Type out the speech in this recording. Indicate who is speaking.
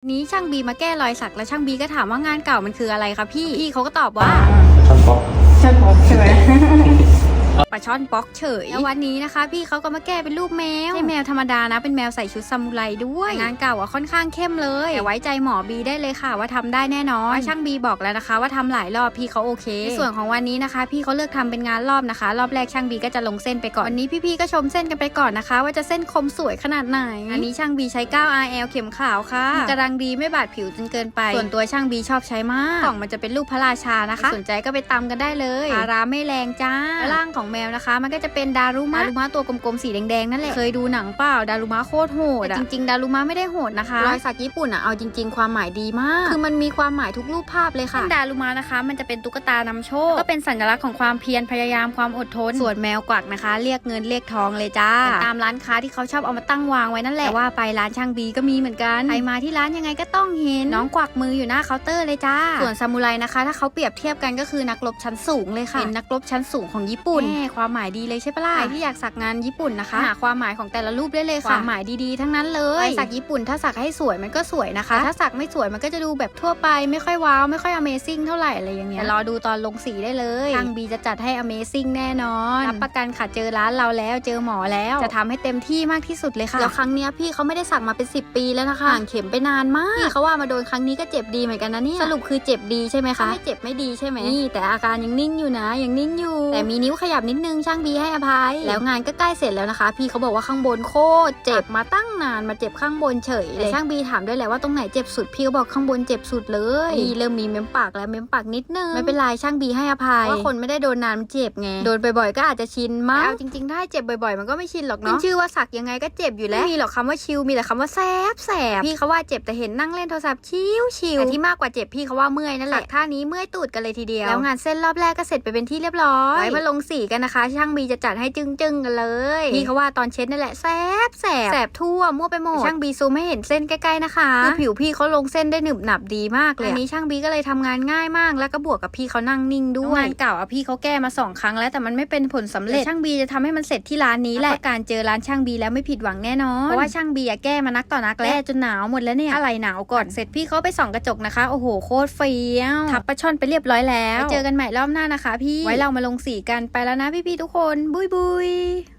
Speaker 1: นี้ช่างบีมาแก้รอยสักแล้วช่างบีก็ถามว่างานเก่ามันคืออะไรคะพี่เขาก็ตอบว่า
Speaker 2: ช่อนป๊อก
Speaker 3: ใช่ไหม
Speaker 1: ปลาช่อนป๊อกเฉยแล้ววันนี้นะคะพี่เขาก็มาแก้เป็นรูปแมวไม่ใช่แมวธรรมดานะเป็นแมวใส่ชุดซามูไรด้วยงานเก่าอ่ะค่อนข้างเข้มเลยแต่ไว้ใจหมอบีได้เลยค่ะว่าทำได้แน่นอนช่างบีบอกแล้วนะคะว่าทำหลายรอบพี่เขาโอเคในส่วนของวันนี้นะคะพี่เขาเลือกทำเป็นงานรอบนะคะรอบแรกช่างบีก็จะลงเส้นไปก่อนวันนี้พี่ๆก็ชมเส้นกันไปก่อนนะคะว่าจะเส้นคมสวยขนาดไหนอันนี้ช่างบีใช้ 9RL เข็มขาวค่ะกำลังดีไม่บาดผิวจนเกินไปส่วนตัวช่างบีชอบใช้มากกล่องมันจะเป็นรูปพระราชานะคะสนใจก็ไปตำกันได้เลยราคาไม่แรงจ้าร่างของแมวนะคะมันก็จะเป็นดารุมะตัวกลมๆสีแดงๆนั่นแหละเคยดูหนังเปล่าดารุมะโคตรโหดจริงๆดารุมะไม่ได้โหดนะคะรอยสักญี่ปุ่นอ่ะเอาจริงๆความหมายดีมากคือมันมีความหมายทุกรูปภาพเลยค่ะดารุมะนะคะมันจะเป็นตุ๊กตานำโชคก็เป็นสัญลักษณ์ของความเพียรพยายามความอดทนส่วนแมวกวักนะคะเรียกเงินเรียกทองเลยจ้าตามร้านค้าที่เขาชอบเอามาตั้งวางไว้นั่นแหละแต่ว่าไปร้านช่างบีก็มีเหมือนกันใครมาที่ร้านยังไงก็ต้องเห็นน้องกวักมืออยู่หน้าเคาน์เตอร์เลยจ้าส่วนซามูไรนะคะถ้าเขาเปรียบเทียบกันก็คือนักรบชั้นสูงเลยค่ะเป็นนักรบชั้นสูงของญี่ปุ่นความหมายดีเลยใช่ปะล่ะใครที่อยากสักงานญี่ปุ่นนะคะหาความหมายของแต่ละรูปได้เลยค่ะความหมายดีๆทั้งนั้นเลยสักญี่ปุ่นถ้าสักให้สวยมันก็สวยนะคะถ้าสักไม่สวยมันก็จะดูแบบทั่วไปไม่ค่อยว้าวไม่ค่อย Amazing เท่าไหร่อะไรอย่างเงี้ยรอดูตอนลงสีได้เลยทางบีจะจัดให้ Amazing แน่นอนรับประกันค่ะเจอร้านเราแล้วเจอหมอแล้วจะทำให้เต็มที่มากที่สุดเลยค่ะแล้วครั้งเนี้ยพี่เขาไม่ได้สักมาเป็น10 ปีแล้วนะคะห่างเข็มไปนานมากพี่เขาว่ามาโดนครั้งนี้ก็เจ็บดีเหมือนกันนะเนี่ยสรุปคือเจ็บดีใช่ไหมคะไม่เจ็บไม่ดีใช่ไหมนี่แต่อาการยังนิ่งอยู่นะยังนิ่งอยู่แต่มีนิ้วขยับนิดนึงช่างบีให้อภัยแล้วงานก็ใกล้เสร็จแล้วนะคะพี่เขาบอกว่าข้างบนโคตรเจ็บมาตั้งนานมาเจ็บข้างบนเฉยเลยช่างบีถามด้วยแหละว่าตรงไหนเจ็บสุดพี่เขาบอกข้างบนเจ็บสุดเลยนี่เริ่มมีเม้มปากแล้วเม้มปากนิดนึงไม่เป็นไรช่างบีให้อภัยว่าคนไม่ได้โดนนานมันเจ็บไงโดนบ่อยๆก็อาจจะชินมากเอาจริงๆถ้าเจ็บบ่อยๆมันก็ไม่ชินหรอกเนาะชื่อว่าสักยังไงก็เจ็บอยู่แล้วไม่มีหรอกคำว่าชิลมีแต่คำว่าแสบพี่เขาว่าเจ็บแต่เห็นนั่งเล่นโทรศัพท์ชิลแต่ที่มากกว่าเจ็บพี่เขาว่าเมื่อยนั่นแหละท่านี้เมื่อยตูดกันเลยทีเดียวแล้วงานเส้นรอบแรกก็เสร็จไปเป็นที่เรียบร้อยไว้มาลงสีกันนะคะช่างบีจะจัดให้จึ้งกันเลยพี่เขาว่าตอนเช็ดนั่นแหละแสบทั่วมั่วไปหมดช่างบีซูมให้เห็นเส้นใกล้ๆนะคะคือผิวพี่เขาลงเส้นได้หนึบหนับดีมากเลยอันนี้ช่างบีก็เลยทำงานง่ายมากแล้วก็บวกกับพี่เขานั่งนิ่งด้วยงานเก่าพี่เขาแก้มา2 ครั้งแล้วแต่มันไม่เป็นผลสำเร็จช่างบีจะทำให้มันเสร็จที่ร้านนี้แหละการเจอร้านช่างบีแล้วไม่ผิดหวังแน่นอนเพราะว่าช่างบีแก้มานักต่อนักแล้วจนหนาวหมดแล้วเนี่ยอะไรหนาวก่อนเสร็จพี่เขาไปส่องกระจกนะคะโอ้โหโคตรเฟี้ยวทับปลาช่อนไปเรียบร้อยแล้วเจอกันใหม่รอบหน้านะคะพี่ไว้เรามาลงสีกันไปแล้วนะพี่ๆทุกคนบุย